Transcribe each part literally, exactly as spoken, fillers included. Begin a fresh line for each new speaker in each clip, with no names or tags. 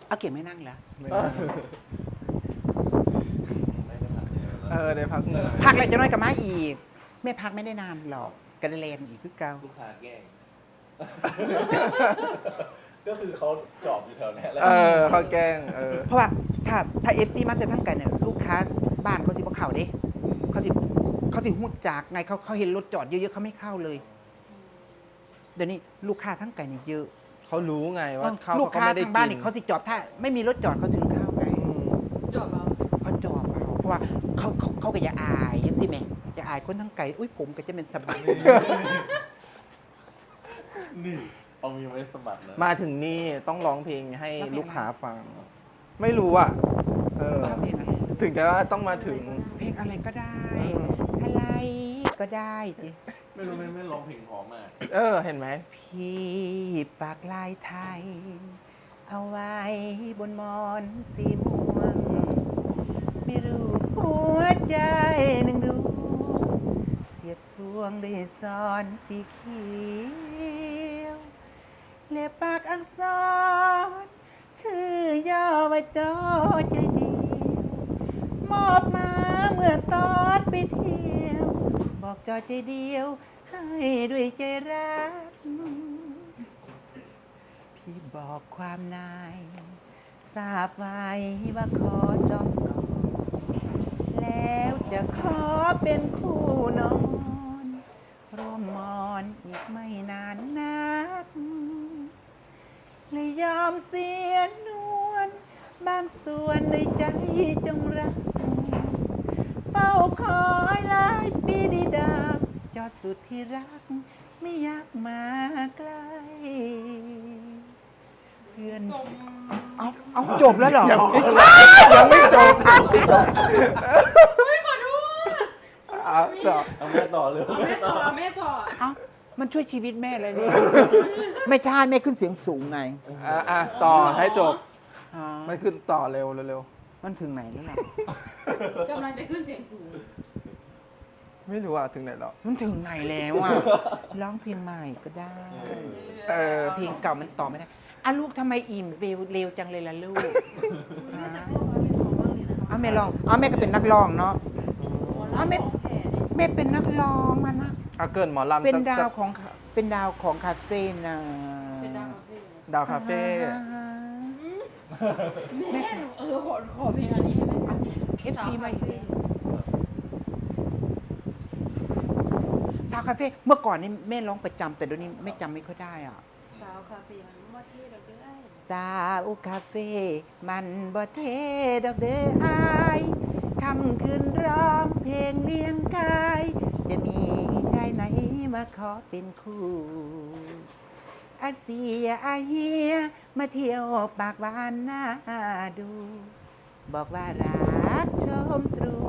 เอาเก็บไม่นั่งแล้ว
เออได้พักเหนื่อย
พักแล้วจะน้อยกับมาอีกไม่พักไม่ได้นานหรอกกันเลนอีกคือเก่า
ลูกค้าแกล้ง ก็คือเขาจอบอยู่แถวนี้แล้ว
เออเขาแกล้งเออ
เพราะว่าถ้าถ้าเอฟซีมาแต่ทั้งกันเนี่ยลูกค้าบ้านเขาสิบ่เข้าเด้เขาสิเขาสิหูจากไงเขาเขาเห็นรถจอดเยอะๆเขาไม่เข้าเลยเดี๋ยวนี้ลูกค้าทั้งไก่เนี่ยเยอะ
เขารู้ไงว่าเขา
ลูก
เขา
ค้า
ไม่ได้
ทางบ้าน
กิ
นี่เขาสิจอดถ้าไม่มีรถจอดเขาถึงเข้าไง
อืม
จบเอา
เขาจอดเอาเพราะว่าเขาเขาเขาก็อย่าอายยังสิแม่อย่าอายคนทั้งไก่อุ้ยผมก็จะเป็นสบาย
นี่เอามีไว้สะบัดนะ
มาถึงนี่ต้องร้องเพลงให้ลูกค้าฟัง ไม่รู้อ่ะเออ
ชอบเพลงอะไร
ถึงจะว่าต้องมาถึง
เพลงอะไรก็ได้
อืม
อะไรก็ได้สิ
ไม่รู้ไม่ไม่ร้องเพลงพร้อมมาก
เออ เห็นไหม
พี่ปากลายไทย เอาไว้บนหมอนสีม่วง ไม่รู้หัวใจหนึ่งดวงเสียบสวงด้วยซ้อนสีเขียวเล็บปากอักษร ชื่อย่อว่าจอใจเดียวมอบมาเมื่อตอนไปเที่ยว บอกจอใจเดียว ให้ด้วยใจรัก พี่บอกความในทราบไว้ว่าขอจองก่อนแล้วจะขอเป็นคู่นอนร่วมมอนอีกไม่นานนักเลยยอมเสียนวลบางส่วนในใจจงรัก เฝ้าคอยหลายปีดีดาบจอดสุดที่รัก ไม่อยากมาใกล้เพื่อนเอาเอาจบแล้วเหรอ
ยังไม่จบยังไม่จบ
ไม่ขอโทษ
อ่ะต่อ
เอาแม่ต่อเลย
เอาแม่ต่อเอาแม่ต่อ
เอามันช่วยชีวิตแม่เลยนี่ไม่ใช่แม่ขึ้นเสียงสูงไง
อ่ะอ่ะต่อให้จบ
อ๋อ
ไม่ขึ้นต่อเร็วเร็ว
มันถึงไหนแล้วล่ะ
กำลังจะขึ้นเสียงสูง
ๆไม่รู้อ่ะถึงไหนแล้ว
มันถึงไหนแล้วอ่ะร้องเพลงใหม่ก็ได้
เออ
เพลงเก่ามันต่อไม่ได้อ่ะลูกทำไมอิ่มเร็วเร็วจังเลยล่ะลูก
แม่จะพูดว่าเป็นของบ้างเลยนะคะ
เอาแม่ลองเอาแม่ก็เป็นนักร้องเนาะ
เอาแม่ของแผ่เนี่ย
แม่เป็นนักร้องมานะ
อ่ะเกินหมอลำ
เป็น
สัก
ดา
สั
ว
ก
ของเป็นดาวของคาเฟ่นะ
เป็นดาวคาเฟ่เลย
ดาวคาเฟ่
แม่หนูเออขอขอเพลงอันนี้ให้แม่ฟัง
เอฟซีมาอีกแล้วสาวคาเฟ่เมื่อก่อนนี่แม่ร้องประจำแต่เดี๋ยวนี้แม่จำไม่ค่อยได้อ่ะ
สาวคาเฟ่มันว่าที่เราได้
สาวคาเฟ่มันบ่เทดอกเด้ออายคำคืนร้องเพลงเลี้ยงกาย จะมีชายไหนมาขอเป็นคู่อาเซียอาเฮียมาเที่ยวปากหวานหน้าดู บอกว่ารักชมตรู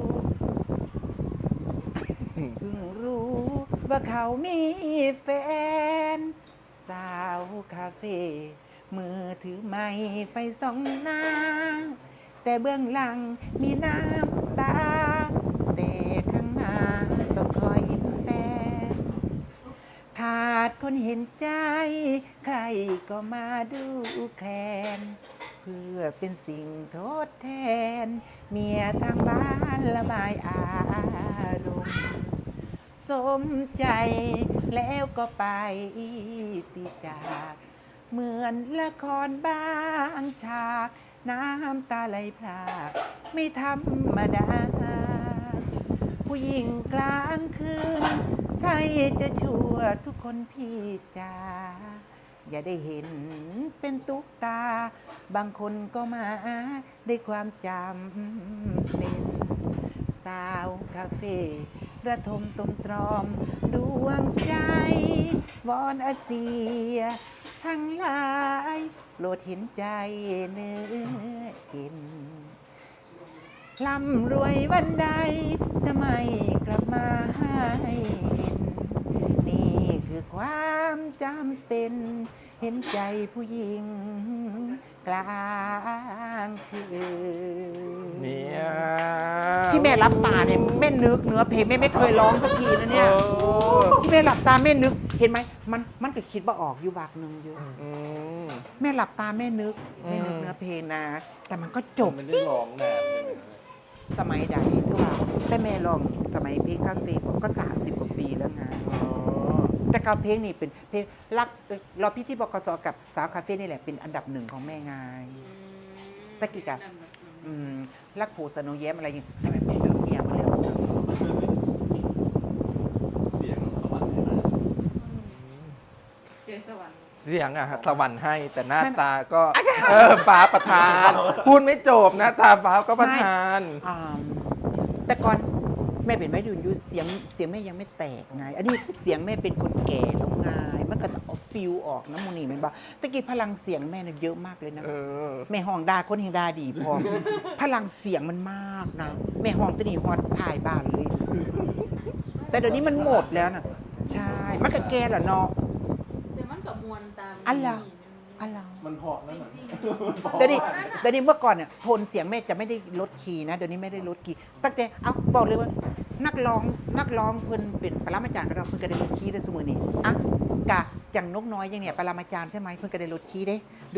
เพิ่งรู้ว่าเขามีแฟน สาวคาเฟ่มือถือไม้ไฟส่องหน้า แต่เบื้องหลังมีน้ำตา แต่ข้างหน้าต้องคอยยิ้มแป้นขาดคนเห็นใจ ใครก็มาดูแคลน เพื่อเป็นสิ่งทดแทน เมียทางบ้านระบายอารมณ์ สมใจแล้วก็ไปติจาก เหมือนละครบางฉาก น้ำตาไหลพรากไม่ธรรมดา ผู้หญิงกลางคืน ใช่จะชั่วทุกคนพี่จ๋าอย่าได้เห็นเป็นตุ๊กตา บางคนก็มาได้ความจำเป็น สาวคาเฟ่ระทมตมตรอมดวงใจ วอนอาเซีย ทั้งหลายโปรดเห็นใจเนื้อเห็นร่ำรวยวันใด จะไม่กลับมาให้เห็น นี่คือความจำเป็น เห็นใจผู้หญิง กลางคืน
เนี่ย
ที่แม่รับตาเนี่ยแม่นึกเนื้อเพลงแม่ไม่เคยร้องสักทีนะเนี่ย
โอ้
ที่แม่หลับตาแม่นึกเห็นไหมมันมันก็คิดว่าออกอยู่วากหนึ่งอยู่
อืม
แม่หลับตาแม่นึก
อืม
แม่นึกเนื้อเพลงนะ แต่มันก็จบ
มันไม่ได้ร้องนานเลยนะ
สมัยใดที่ว่าแต่แม่ลองสมัยเพลงคาเฟ่ก็สามสิบกว่าปีแล้วไง
อ๋อ
แต่การเพลงนี่เป็นเพลงรักเอ่อเราพี่ที่บกสกับสาวคาเฟ่นี่แหละเป็นอันดับหนึ่งของแม่ไง ตะกี้กะ อืมรักผูสโนแย้มอะไรอย่างเงี้ยแต่แม่แม่เลิกเมียมาแล้ว
เสียงสวรรค์ให้มา
เสียงสวรรค์
เสียงอะสวรรค์ให้แต่หน้าตาก็เออฟ้าประทาน พูดไม่จบหน้าตาฟ้าก็ประทาน
อ่าแต่ก่อนแม่เป็นแม่ดุนยุเสียงเสียงแม่ยังไม่แตกไง อันนี้เสียงแม่เป็นคนแก่แล้วไงมันก็ต้องเอาฟิลออกน้ำมูนี่แมันบ่ตะกี้พลังเสียงแม่เนี่ยเยอะมากเลยนะ
เออ
แม่ห้องดาคนเฮงดาดีพอ พลังเสียงมันมากนะ แม่ห้องตัวนี้ฮอดถ่ายบ้านเลย แต่เดี๋ยวนี้มันหมดแล้วนะใช่ มันก็แก่แล้วเนาะ
แต่มันกับมวลตาม
อันละ อะไร
มันเพราะนั่น
จ
น่ะ
ริง
เดี๋ยวนี้เดี๋ยวนี้เมื่อก่อนเนี่ยโทนเสียงแม่จะไม่ได้ลดคีย์นะ เดี๋ยวนี้ไม่ได้ลดคีย์ตั้งแต่เอาบอกเลยว่า นักร้องนักร้องเพิ่นเป็นปรมาจารย์ของเราเพิ่นก็ได้ลดคีย์ได้เสมอนี่อ่ะกะอย่างนกน้อยอย่างเนี่ยปรมาจารย์ใช่ไหมเพิ่นก็ได้ลดคีย์เด้